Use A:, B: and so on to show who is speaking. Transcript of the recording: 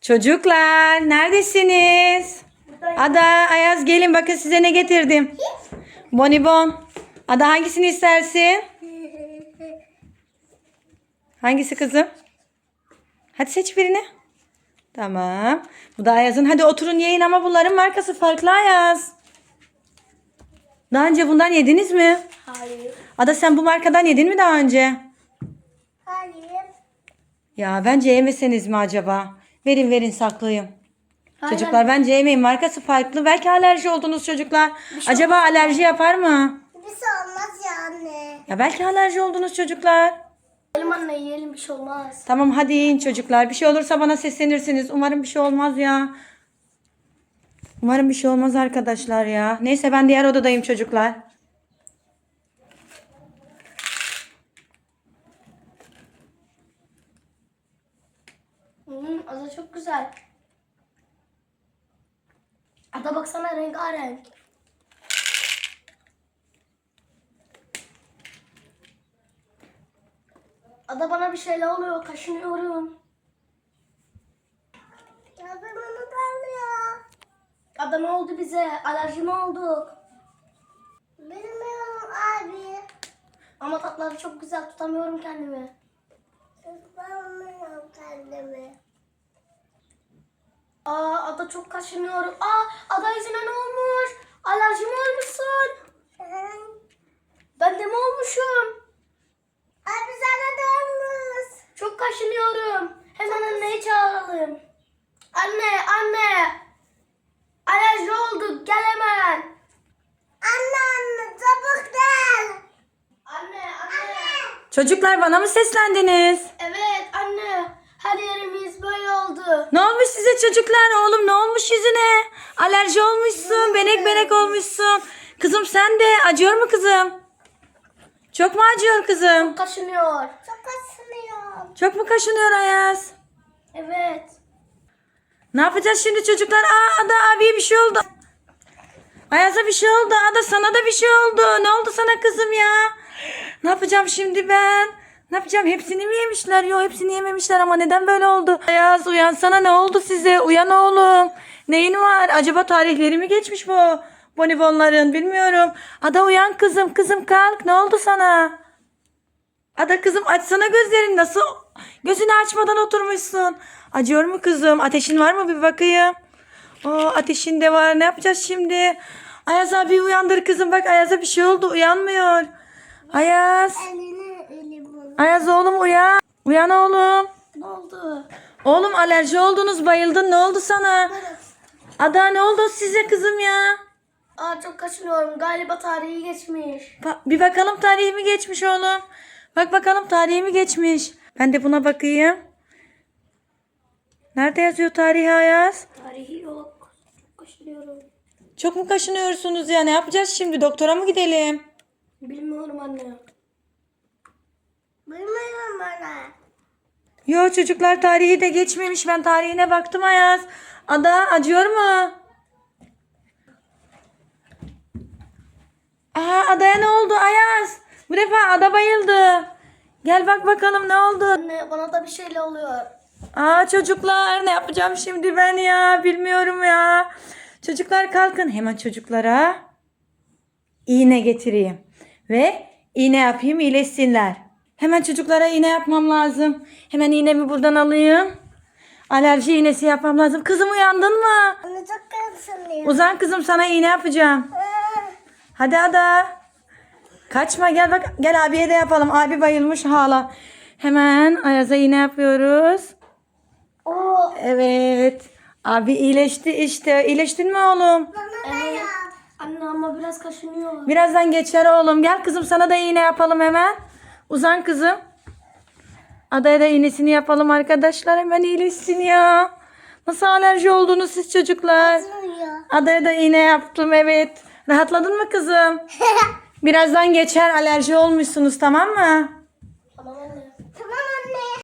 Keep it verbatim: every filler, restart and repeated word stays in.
A: Çocuklar neredesiniz? Ada, Ayaz gelin bakın size ne getirdim. Bonibon. Ada hangisini istersin? Hangisi kızım? Hadi seç birini. Tamam. Bu da Ayaz'ın. Hadi oturun yiyin ama bunların markası farklı Ayaz. Daha önce bundan yediniz mi?
B: Hayır.
A: Ada sen bu markadan yedin mi daha önce?
B: Hayır.
A: Ya bence yemeseniz mi acaba? Verin verin saklayayım.
B: Hayır.
A: Çocuklar bence yemeyin. Markası farklı. Belki alerji oldunuz çocuklar. Acaba alerji yapar mı?
B: Bir şey olmaz ya anne.
A: Ya belki alerji oldunuz çocuklar.
B: Yiyelim anne yiyelim bir şey olmaz.
A: Tamam hadi yiyin çocuklar. Bir şey olursa bana seslenirsiniz. Umarım bir şey olmaz ya. Umarım bir şey olmaz arkadaşlar ya. Neyse ben diğer odadayım çocuklar.
B: Hmm, ada çok güzel. Ada baksana rengarenk. Ada bana bir şeyler oluyor. Kaşınıyorum. Ya ben onu darlıyor. Ada ne oldu bize? Alerji mi olduk? Bilmiyorum abi. Ama tatları çok güzel. Tutamıyorum kendimi. Tutamıyorum kendimi. Aa Ada çok kaşınıyorum. Aa Ada yüzüne ne olmuş? Alerji mi olmuşsun? Ben de mi olmuşum? Abi sana da olmuş. Çok kaşınıyorum. Hemen anneyi çağıralım. Anne, anne. Alerji olduk. Gel hemen. Anne, anne. Çabuk gel. Anne, anne.
A: Çocuklar bana mı seslendiniz?
B: Evet, anne. Her yerimiz böyle oldu.
A: Ne olmuş size çocuklar? Oğlum ne olmuş yüzüne? Alerji olmuşsun. Benek benek olmuşsun. Kızım sen de. Acıyor mu kızım? Çok mu acıyor kızım?
B: Kaşınıyor. Çok kaşınıyor.
A: Çok mu kaşınıyor Ayaz?
B: Evet.
A: Ne yapacağız şimdi çocuklar? Aa Ada abiye bir şey oldu. Ayaz'a bir şey oldu. Ada sana da bir şey oldu. Ne oldu sana kızım ya? Ne yapacağım şimdi ben? Ne yapacağım? Hepsini mi yemişler? Yok hepsini yememişler ama neden böyle oldu? Ayaz uyansana, ne oldu size? Uyan oğlum. Neyin var? Acaba tarihleri mi geçmiş bu bonibonların? Bilmiyorum. Ada uyan kızım. Kızım kalk. Ne oldu sana? Ada kızım açsana gözlerini. Nasıl gözünü açmadan oturmuşsun? Acıyor mu kızım? Ateşin var mı? Bir bakayım. Oo, ateşin de var. Ne yapacağız şimdi? Ayaz abi uyandır kızım. Bak Ayaz'a bir şey oldu. Uyanmıyor. Ayaz.
B: Elini, elimi.
A: Ayaz oğlum uyan. Uyan oğlum.
B: Ne oldu?
A: Oğlum alerji oldunuz. Bayıldın. Ne oldu sana? Ada ne oldu size kızım ya?
B: Aa çok kaşınıyorum. Galiba tarihi geçmiş.
A: Ba- bir bakalım tarihi mi geçmiş oğlum? Bak bakalım tarihi mi geçmiş? Ben de buna bakayım. Nerede yazıyor tarihi Ayaz?
B: Tarihi yok. Çok kaşınıyorum.
A: Çok mu kaşınıyorsunuz ya? Ne yapacağız şimdi? Doktora mı gidelim?
B: Bilmiyorum anne. Bilmiyorum bana.
A: Yo çocuklar tarihi de geçmemiş. Ben tarihine baktım Ayaz. Ada acıyor mu? Aa Ada'ya ne oldu Ayaz? Bu defa Ada bayıldı. Gel bak bakalım ne oldu?
B: Anne bana da bir şeyler oluyor.
A: Aa çocuklar ne yapacağım şimdi ben ya? Bilmiyorum ya. Çocuklar kalkın. Hemen çocuklara iğne getireyim. Ve iğne yapayım iyileşsinler. Hemen çocuklara iğne yapmam lazım. Hemen iğnemi buradan alayım. Alerji iğnesi yapmam lazım. Kızım uyandın mı?
B: Anne çok kaşınıyorum.
A: Uzan kızım sana iğne yapacağım. Hadi Ada. Kaçma gel bak. Gel abiye de yapalım. Abi bayılmış hala. Hemen Ayaz'a iğne yapıyoruz.
B: Oo.
A: Evet. Abi iyileşti işte. İyileştin mi oğlum?
B: Evet. Anne ama biraz kaşınıyor.
A: Birazdan geçer oğlum. Gel kızım sana da iğne yapalım hemen. Uzan kızım. Adaya da iğnesini yapalım arkadaşlar. Hemen iyileşsin ya. Nasıl alerji oldunuz siz çocuklar? Adaya da iğne yaptım evet. Rahatladın mı kızım? Birazdan geçer, alerji olmuşsunuz tamam mı?